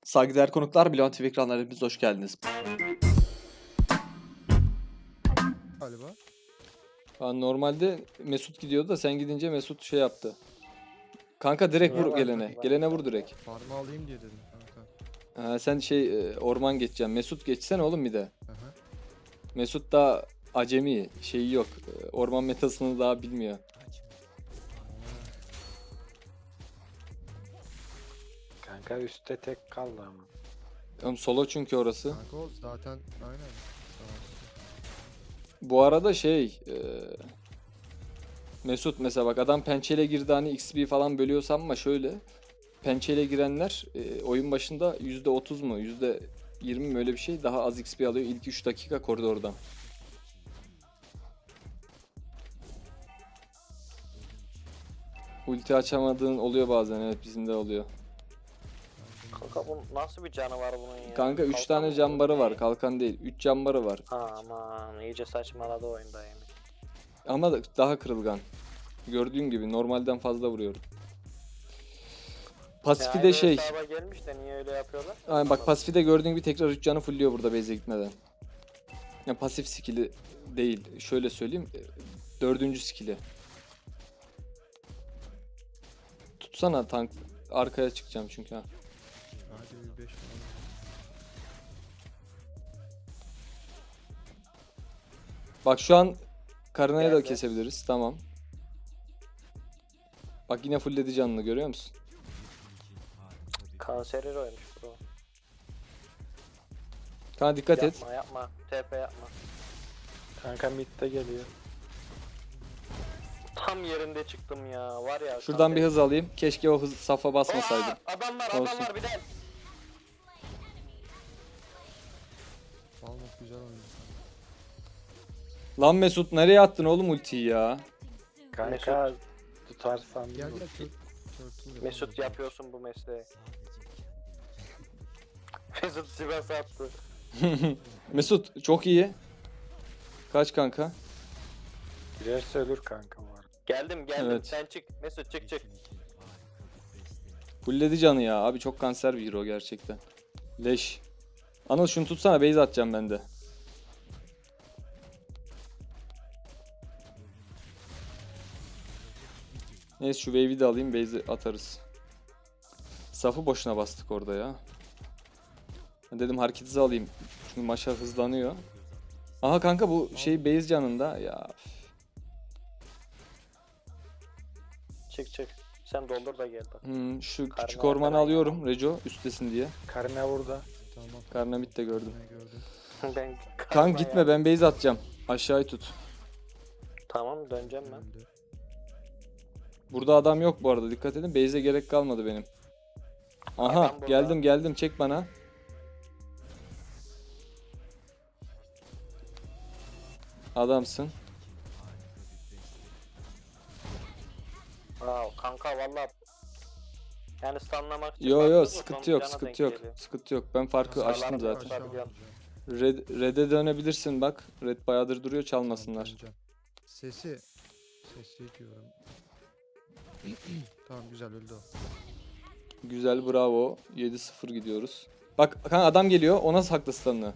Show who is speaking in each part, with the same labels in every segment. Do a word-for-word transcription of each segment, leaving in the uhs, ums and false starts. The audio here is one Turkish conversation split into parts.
Speaker 1: Saygıdeğer konuklar, Bilon T V ekranlarına hepiniz hoş geldiniz.
Speaker 2: Galiba.
Speaker 1: Ha, normalde Mesut gidiyordu da sen gidince Mesut şey yaptı. Kanka direkt
Speaker 3: Niye
Speaker 1: vur
Speaker 3: var?
Speaker 1: gelene.
Speaker 3: Var.
Speaker 1: Gelene vur direkt.
Speaker 2: Farmı alayım diye dedim kanka.
Speaker 1: Ha, sen şey e, orman geçeceksin. Mesut geçsene oğlum bir de.
Speaker 2: Aha.
Speaker 1: Mesut daha acemi. Şeyi yok. E, Orman metasını daha bilmiyor.
Speaker 3: Kanka üstte tek kaldı ama.
Speaker 1: Oğlum solo çünkü orası.
Speaker 2: Kanka o zaten aynen. Tamam.
Speaker 1: Bu arada şey e, Mesut mesela bak adam pençeyle girdi hani X P falan bölüyorsam ama şöyle pençeyle girenler e, oyun başında yüzde otuz mu yüzde yirmi mi öyle bir şey daha az X P alıyor ilk üç dakika koridordan. Ulti açamadığın oluyor bazen, evet bizim de oluyor.
Speaker 4: Kanka bu nasıl bir canı var bunun ya?
Speaker 1: Kanka üç
Speaker 4: Kalkan
Speaker 1: tane
Speaker 4: mı
Speaker 1: cambarı
Speaker 4: bu?
Speaker 1: var, kalkan değil, üç cambarı var
Speaker 4: Ha, aman iyice saçmaladı oyunda yani.
Speaker 1: ama da- daha kırılgan. Gördüğün gibi normalden fazla vuruyorum. Pasifi
Speaker 4: Ya
Speaker 1: de
Speaker 4: aynı
Speaker 1: şey.
Speaker 4: hesaba gelmiş de niye öyle yapıyorlar?
Speaker 1: Aynen bak pasifi de gördüğün gibi tekrar üç canı fullüyor burada base'e gitmeden. Ya pasif skill'i değil. Şöyle söyleyeyim. e, Dördüncü skill'i. Tutsana tank. Arkaya çıkacağım çünkü ha.
Speaker 2: Hadi bir beş falan.
Speaker 1: Bak şu an Karina'yı da
Speaker 4: Geldi.
Speaker 1: kesebiliriz. Tamam. Bak yine fullledi canını görüyor musun?
Speaker 4: Kanserir oymuş bro.
Speaker 1: Kana dikkat et.
Speaker 4: Yapma yapma. T P yapma.
Speaker 3: Kanka midde geliyor.
Speaker 4: Tam yerinde çıktım ya. Var ya.
Speaker 1: Şuradan bir
Speaker 4: kanser-
Speaker 1: hız alayım. Keşke o hız safa basmasaydım.
Speaker 4: Aa, adam var
Speaker 1: Olsun.
Speaker 4: adam var bir de.
Speaker 2: Falmok güzel oynuyor.
Speaker 1: Lan Mesut nereye attın oğlum ultiyi ya?
Speaker 3: Kanka tutarsan
Speaker 2: Gel
Speaker 3: vur.
Speaker 2: gel tut. Turtle
Speaker 4: Mesut yapıyorsun bu mesleği. Mesut Sivas attı.
Speaker 1: Mesut çok iyi. Kaç kanka?
Speaker 3: Girerse ölür kanka var.
Speaker 4: Geldim geldim
Speaker 1: Evet.
Speaker 4: sen çık. Mesut çık çık.
Speaker 1: Fulledi canı ya. Abi çok kanser bir hero gerçekten. Leş. Anıl şunu tutsana, base atacağım ben de. Neyse şu wave'i de alayım, base'i atarız. Safı boşuna bastık orada ya. Ben dedim hareket hızı alayım. Çünkü maşa hızlanıyor. Aha kanka bu şey base canında ya.
Speaker 4: Çık çık. Sen doldur da gel bak.
Speaker 1: Hmm, şu
Speaker 4: Karnı
Speaker 1: küçük ormanı
Speaker 4: arkadan
Speaker 1: alıyorum Reco üstesin diye.
Speaker 3: Karına burada.
Speaker 2: Tamam.
Speaker 1: Karnamit de gördüm.
Speaker 2: Ne gördüm.
Speaker 4: ben
Speaker 1: Kanka gitme,
Speaker 4: ya.
Speaker 1: ben base atacağım. Aşağıyı tut.
Speaker 4: Tamam döneceğim ben.
Speaker 2: Öldü.
Speaker 1: Burada adam yok bu arada, dikkat edin. Base'e gerek kalmadı benim. Aha
Speaker 4: Adam burada.
Speaker 1: geldim geldim, çek bana. Adamsın.
Speaker 4: Aa, kanka valla yani stunlamak için
Speaker 1: Yo yo
Speaker 4: baktım da
Speaker 1: sıkıntı
Speaker 4: son
Speaker 1: yok
Speaker 4: cana
Speaker 1: sıkıntı
Speaker 4: denk
Speaker 1: yok.
Speaker 4: geliyor.
Speaker 1: Sıkıntı yok. Ben farkı
Speaker 4: Sağlam
Speaker 1: açtım
Speaker 4: bir
Speaker 1: zaten.
Speaker 4: aşağı
Speaker 2: Aşağı
Speaker 4: biliyorum.
Speaker 2: vuracağım.
Speaker 1: Red, Red'e dönebilirsin bak. Red bayağıdır duruyor, çalmasınlar.
Speaker 2: Döneceğim. Sesi. Sesi diyorum. Tamam güzel öldü o.
Speaker 1: Güzel, bravo. yedi sıfır gidiyoruz. Bak kanka adam geliyor. Ona saklı stun'ını.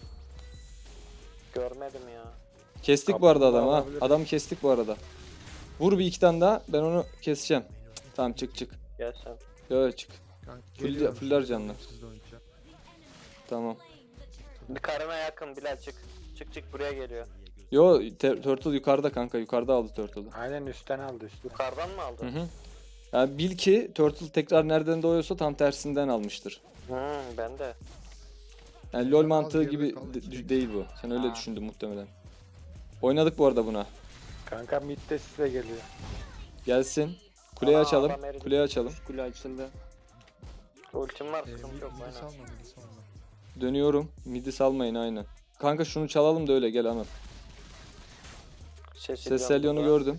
Speaker 4: Görmedim ya.
Speaker 1: Kestik bu arada adamı ha.
Speaker 3: Olabilir.
Speaker 1: Adamı kestik bu arada. Vur bir iki tane daha. Ben onu keseceğim. Tamam çık çık.
Speaker 4: Gel sen.
Speaker 1: Yo çık.
Speaker 2: Kanka,
Speaker 1: Full-
Speaker 2: geliyorum,
Speaker 1: fuller
Speaker 2: siz de
Speaker 1: canlı.
Speaker 2: oynayın, siz de oynayacağım.
Speaker 1: Tamam.
Speaker 4: Bir karına yakın Bilal çık. Çık çık buraya geliyor.
Speaker 1: Yo te- Turtle yukarıda kanka. Yukarıda aldı Turtle'ı.
Speaker 3: Aynen üstten aldı üstten.
Speaker 4: Yukarıdan mı aldın?
Speaker 1: Hı hı. Yani bil ki Turtle tekrar nereden doğuyorsa tam tersinden almıştır.
Speaker 4: Hmm, ben de.
Speaker 1: Yani LoL
Speaker 2: Az
Speaker 1: mantığı
Speaker 2: geride
Speaker 1: gibi
Speaker 2: kaldı.
Speaker 1: de- değil bu. Sen öyle
Speaker 4: Ha.
Speaker 1: düşündün muhtemelen. Oynadık bu arada buna.
Speaker 3: Kanka midde size geliyor.
Speaker 1: Gelsin. Kuleyi
Speaker 4: Aa,
Speaker 1: açalım.
Speaker 4: adam eridi.
Speaker 1: Kuleyi açalım.
Speaker 5: Kule açıldı.
Speaker 4: Ultim var
Speaker 2: Ee,
Speaker 4: sıkıntı
Speaker 2: mid,
Speaker 4: yok
Speaker 2: midi
Speaker 4: aynen.
Speaker 2: salma midi salma.
Speaker 1: Dönüyorum. Midi salmayın aynen. Kanka şunu çalalım da öyle gel Anıl.
Speaker 4: Ses
Speaker 1: Sesselyon'u gördüm.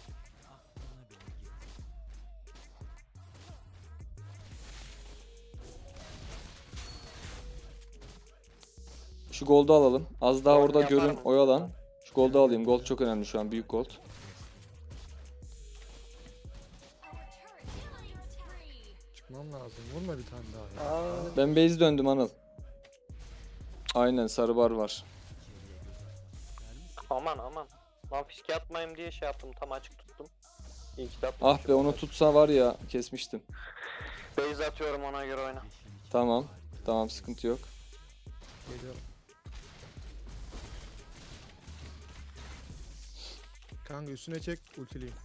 Speaker 1: Şu gold'u alalım. Az daha
Speaker 4: Gold
Speaker 1: orada
Speaker 4: yapar
Speaker 1: görün,
Speaker 4: mı?
Speaker 1: oyalan. Şu gold'u alayım. Gold çok önemli şu an. Büyük gold.
Speaker 2: Çıkmam lazım Vurma bir tane daha ya.
Speaker 3: Aa,
Speaker 1: Ben base döndüm Anıl. Aynen sarı bar var.
Speaker 4: Aman aman. Lan fiske atmayayım diye şey yaptım. Tam açık tuttum. İyi ki de
Speaker 1: Ah
Speaker 4: atmışım.
Speaker 1: be onu tutsa var ya kesmiştim.
Speaker 4: Base atıyorum ona göre oyna.
Speaker 1: Tamam. Tamam sıkıntı yok.
Speaker 2: Geliyorum. Kanka üstüne çek ultileyim.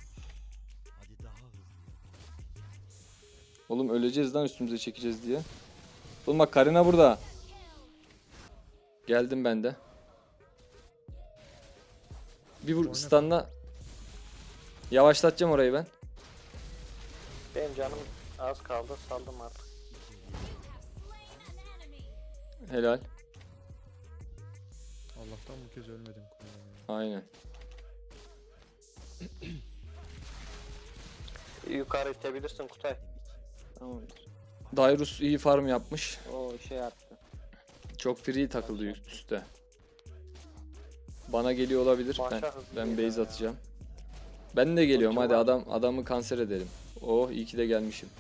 Speaker 1: Oğlum öleceğiz lan üstümüze çekeceğiz diye. Oğlum bak Karina burada. Geldim ben de. Bir vur
Speaker 2: Oyna
Speaker 1: stunla. Yavaşlatacağım orayı ben.
Speaker 4: Benim canım az kaldı. Saldım artık.
Speaker 1: Helal.
Speaker 2: Allah'tan bu kez ölmedim. kulağına ya.
Speaker 1: Aynen.
Speaker 4: Yukarı itebilirsin Kutay.
Speaker 1: Tamamdır. Dairus iyi farm yapmış.
Speaker 4: O şey yaptı.
Speaker 1: Çok free takıldı üst üste. Bana geliyor olabilir. Ben,
Speaker 4: Maşa hızlı
Speaker 1: ben
Speaker 4: geliyor
Speaker 1: base
Speaker 4: ya.
Speaker 1: atacağım. Ben de geliyorum
Speaker 4: Çok
Speaker 1: hadi
Speaker 4: var.
Speaker 1: adam adamı kanser edelim. Oh iyi ki de gelmişim.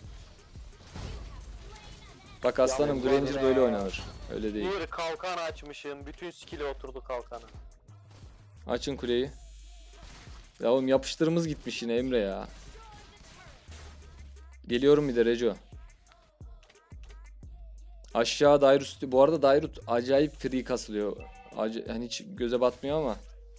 Speaker 1: Bak aslanım
Speaker 4: Yalnız
Speaker 1: Granger
Speaker 4: var
Speaker 1: böyle
Speaker 4: ya.
Speaker 1: oynanır. Öyle değil.
Speaker 4: Bir kalkan açmışım. Bütün skill'i oturdu kalkana.
Speaker 1: Açın kuleyi. Ya oğlum yapıştırımız gitmiş yine Emre ya. Geliyorum bir de Reco. Aşağı Dairus. Bu arada Dairut acayip free kasılıyor. Aca yani hiç göze batmıyor ama.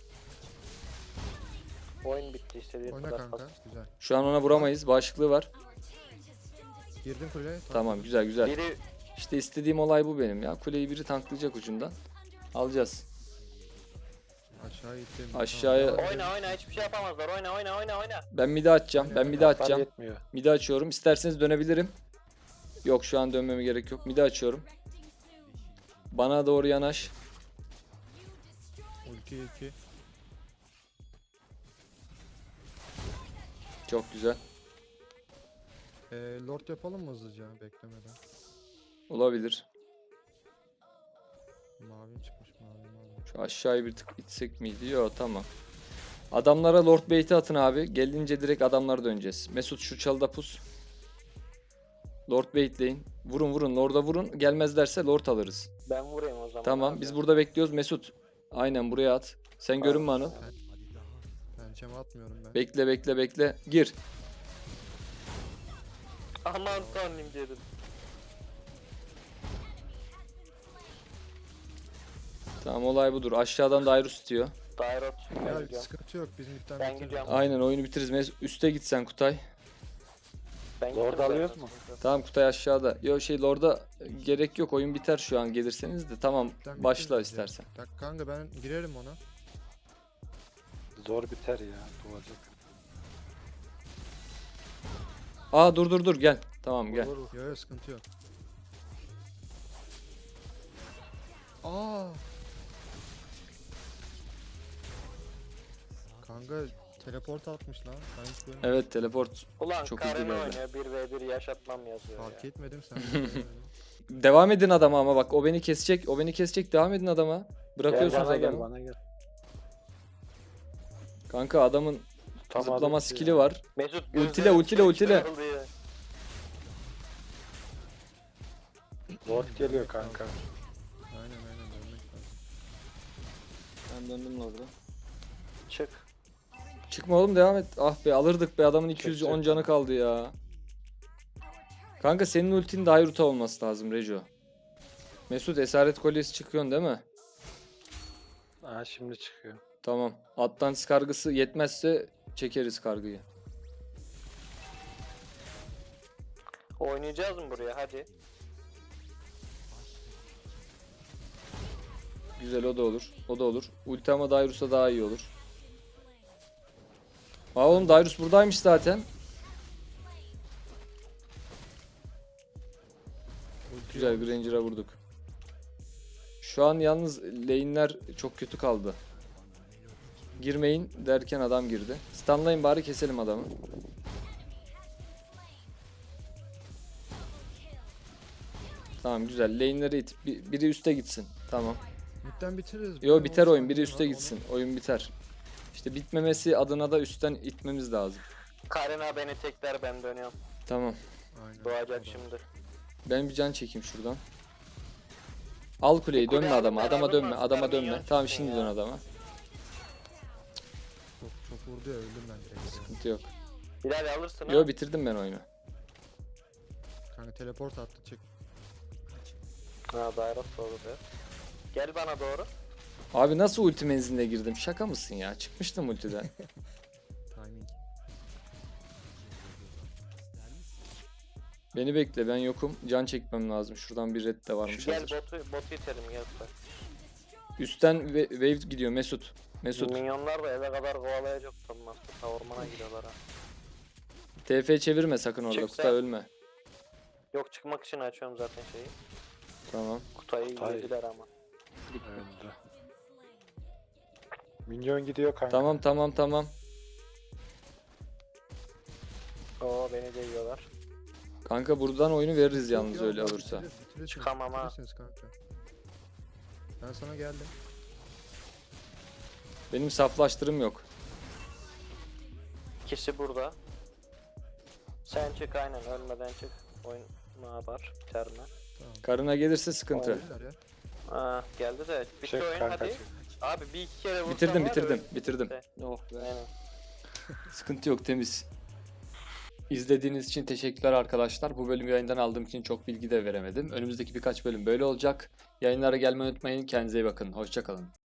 Speaker 4: Oyun bitti istediği
Speaker 2: Oyna
Speaker 4: kadar
Speaker 2: kanka.
Speaker 4: pas.
Speaker 2: Güzel.
Speaker 1: Şu an ona vuramayız. Bağışıklığı var.
Speaker 2: Girdin kuleye.
Speaker 1: Tamam güzel güzel.
Speaker 4: Biri
Speaker 1: İşte istediğim olay bu benim ya. Kuleyi biri tanklayacak ucundan. Alacağız.
Speaker 2: Aşağı ittim.
Speaker 1: Aşağıya-
Speaker 2: Tamam, devam
Speaker 4: oyna
Speaker 2: edelim.
Speaker 4: oyna hiçbir şey yapamazlar. Oyna oyna oyna oyna.
Speaker 1: Ben midi açacağım. Ben midi
Speaker 3: hasar
Speaker 1: açacağım.
Speaker 3: yetmiyor.
Speaker 1: Midi açıyorum. İsterseniz dönebilirim. Yok şu an dönmeme gerek yok. Midi açıyorum. Bana doğru yanaş.
Speaker 2: Ulti iki.
Speaker 1: Çok güzel.
Speaker 2: Ee, Lord yapalım mı hızlıca beklemeden?
Speaker 1: Olabilir.
Speaker 2: Mavi çıkmış mavi mavi.
Speaker 1: Şu aşağıya bir tık itsek miydi? Yok tamam. Adamlara Lord Bait'i atın abi. Gelince direkt adamlara döneceğiz. Mesut şu çalıda pus. Lord Bait'leyin. Vurun vurun Lord'a vurun. Gelmezlerse Lord alırız.
Speaker 4: Ben vurayım o zaman.
Speaker 1: Tamam
Speaker 4: abi.
Speaker 1: biz burada bekliyoruz Mesut. Aynen buraya at. Sen görünme Anıl.
Speaker 2: Pençeme atmıyorum ben.
Speaker 1: Bekle bekle bekle. Gir.
Speaker 4: Aman tanrım dedim.
Speaker 1: Tamam olay budur. Aşağıdan Dairus istiyor.
Speaker 4: Dairot. Ben
Speaker 2: Ya
Speaker 4: gidiyorum.
Speaker 2: sıkıntı yok biz midden
Speaker 4: Ben
Speaker 2: bitiririz.
Speaker 4: gidiyorum.
Speaker 1: Aynen oyunu bitiririz. Mes- Üste gitsen Kutay.
Speaker 4: Ben
Speaker 3: Lord
Speaker 4: gittim
Speaker 3: alıyoruz
Speaker 4: zaten.
Speaker 3: mu?
Speaker 1: Tamam Kutay aşağıda. Yo şey Lord'a gerek yok. Oyun biter şu an gelirseniz de. Tamam
Speaker 2: Midden
Speaker 1: başla
Speaker 2: bitiririz ya.
Speaker 1: istersen.
Speaker 2: Bak kanka ben girerim ona.
Speaker 3: Zor biter ya. Doğacak.
Speaker 1: Aa dur dur dur gel. Tamam gel.
Speaker 3: Vur, vur.
Speaker 2: Yok yok sıkıntı yok. Aa. Kanka teleport atmış lan. Ben hiç görmedim.
Speaker 1: Evet teleport.
Speaker 4: Ulan
Speaker 1: Çok
Speaker 4: Karin
Speaker 1: hızlı geldi.
Speaker 4: oynuyor. bir ve bir yaşatmam yazıyor
Speaker 2: Fark
Speaker 4: ya.
Speaker 2: etmedim sen. de görmedin.
Speaker 1: Devam edin adama ama bak o beni kesecek. O beni kesecek. Devam edin adama.
Speaker 3: Gel
Speaker 1: Bırakıyorsunuz
Speaker 3: bana gel
Speaker 1: adamı.
Speaker 3: bana gel.
Speaker 1: Kanka adamın
Speaker 3: Tutamadım
Speaker 1: zıplama
Speaker 3: ki
Speaker 1: skill'i
Speaker 3: ya.
Speaker 1: var.
Speaker 4: Mesut
Speaker 1: Ultile,
Speaker 4: gözleri
Speaker 1: ultile, ultile.
Speaker 4: çıkarıldı ya.
Speaker 3: Lord geliyor kanka.
Speaker 2: Aynen aynen dönmek lazım.
Speaker 1: Ben döndüm orada.
Speaker 4: Çık.
Speaker 1: Çıkma oğlum devam et. Ah be alırdık be adamın iki yüz on
Speaker 3: Çek,
Speaker 1: canı kaldı ya. Kanka senin ultin Dairut'a olması lazım Rejo. Mesut esaret kolyesi çıkıyorsun değil mi?
Speaker 3: Ha şimdi çıkıyor.
Speaker 1: Tamam. Atlantis kargısı yetmezse çekeriz kargıyı.
Speaker 4: Oynayacağız mı buraya hadi.
Speaker 1: Güzel o da olur. O da olur. Ulti ama Dairus'a daha iyi olur. Aa oğlum Dairus buradaymış zaten.
Speaker 2: Ulti
Speaker 1: Güzel
Speaker 2: yok.
Speaker 1: Granger'a vurduk. Şu an yalnız lane'ler çok kötü kaldı. Girmeyin derken adam girdi. Stunlayın bari keselim adamı. Tamam güzel. Lane'leri it. Bir- Biri üste gitsin. Tamam.
Speaker 2: Midden bitiririz.
Speaker 1: Yo
Speaker 2: Bir
Speaker 1: biter
Speaker 2: on
Speaker 1: oyun. Biri
Speaker 2: saniye
Speaker 1: üste
Speaker 2: var,
Speaker 1: gitsin. Oyun biter. İşte bitmemesi adına da üstten itmemiz lazım.
Speaker 4: Karina beni tekler ben dönüyorum.
Speaker 1: Tamam.
Speaker 2: onu- Aynen.
Speaker 4: Doğacak şimdi.
Speaker 1: Ben bir can çekeyim şuradan. Al kuleyi,
Speaker 4: Kuleyi
Speaker 1: dönme
Speaker 4: alın,
Speaker 1: adama,
Speaker 4: ben
Speaker 1: adama
Speaker 4: alırım,
Speaker 1: dönme,
Speaker 4: aslan
Speaker 1: adama dönme.
Speaker 4: minyon
Speaker 1: Tamam
Speaker 4: çıksın
Speaker 1: şimdi
Speaker 4: ya.
Speaker 1: dön adama.
Speaker 2: Çok çok vurdu ya öldüm ben direkt. ya.
Speaker 1: Sıkıntı yok.
Speaker 4: Bilal alırsın ha.
Speaker 1: Yo bitirdim ben oyunu.
Speaker 2: Kanka teleport attı çek.
Speaker 4: Ha Dairos doğru diyor. Gel bana doğru.
Speaker 1: Abi nasıl ulti menziline girdim? Şaka mısın ya? Çıkmıştım ultiden.
Speaker 2: Timing.
Speaker 1: Beni bekle, ben yokum. Can çekmem lazım. Şuradan bir red de varmış
Speaker 4: Gel
Speaker 1: hazır.
Speaker 4: botu, botu itelim gel sen.
Speaker 1: Üstten ve- wave gidiyor Mesut. Mesut.
Speaker 4: Minyonlar da eve kadar kovalayacak sanmaz. Ta ormana gidiyorlar ha.
Speaker 1: T F çevirme sakın orada.
Speaker 4: Çık
Speaker 1: Kuta
Speaker 4: sen.
Speaker 1: ölme.
Speaker 4: Yok çıkmak için açıyorum zaten şeyi.
Speaker 1: Tamam.
Speaker 4: Kutayı
Speaker 3: Kutay.
Speaker 4: yediler ama.
Speaker 3: Öldü. Minyon gidiyor kanka.
Speaker 1: Tamam tamam tamam.
Speaker 4: Oo beni de yiyorlar.
Speaker 1: Kanka buradan oyunu veririz
Speaker 2: Yok
Speaker 1: yalnız
Speaker 2: ya,
Speaker 1: öyle
Speaker 2: bak
Speaker 1: olursa.
Speaker 2: bitiriyoruz, bitiriyorsunuz,
Speaker 4: Çıkamam ha.
Speaker 2: bitiriyorsunuz kanka. Ben sana geldim.
Speaker 1: Benim saflaştırım yok.
Speaker 4: İkisi burada. Sen çık aynen ölmeden çık. Oyun ne yapar? Biter mi?
Speaker 2: Tamam.
Speaker 1: Karına gelirse sıkıntı.
Speaker 2: Geldiler ya.
Speaker 4: Aa geldi de bitti
Speaker 3: Çık
Speaker 4: oyun
Speaker 3: kanka,
Speaker 4: hadi.
Speaker 3: çık.
Speaker 4: Abi bir iki kere vursam
Speaker 1: Bitirdim
Speaker 4: var ya,
Speaker 1: bitirdim
Speaker 4: öl-
Speaker 1: bitirdim.
Speaker 4: bitti.
Speaker 1: Oh be.
Speaker 4: Aynen.
Speaker 1: Sıkıntı yok, temiz. İzlediğiniz için teşekkürler arkadaşlar. Bu bölüm yayından aldığım için çok bilgi de veremedim. Önümüzdeki birkaç bölüm böyle olacak. Yayınlara gelmeyi unutmayın. Kendinize iyi bakın. Hoşça kalın.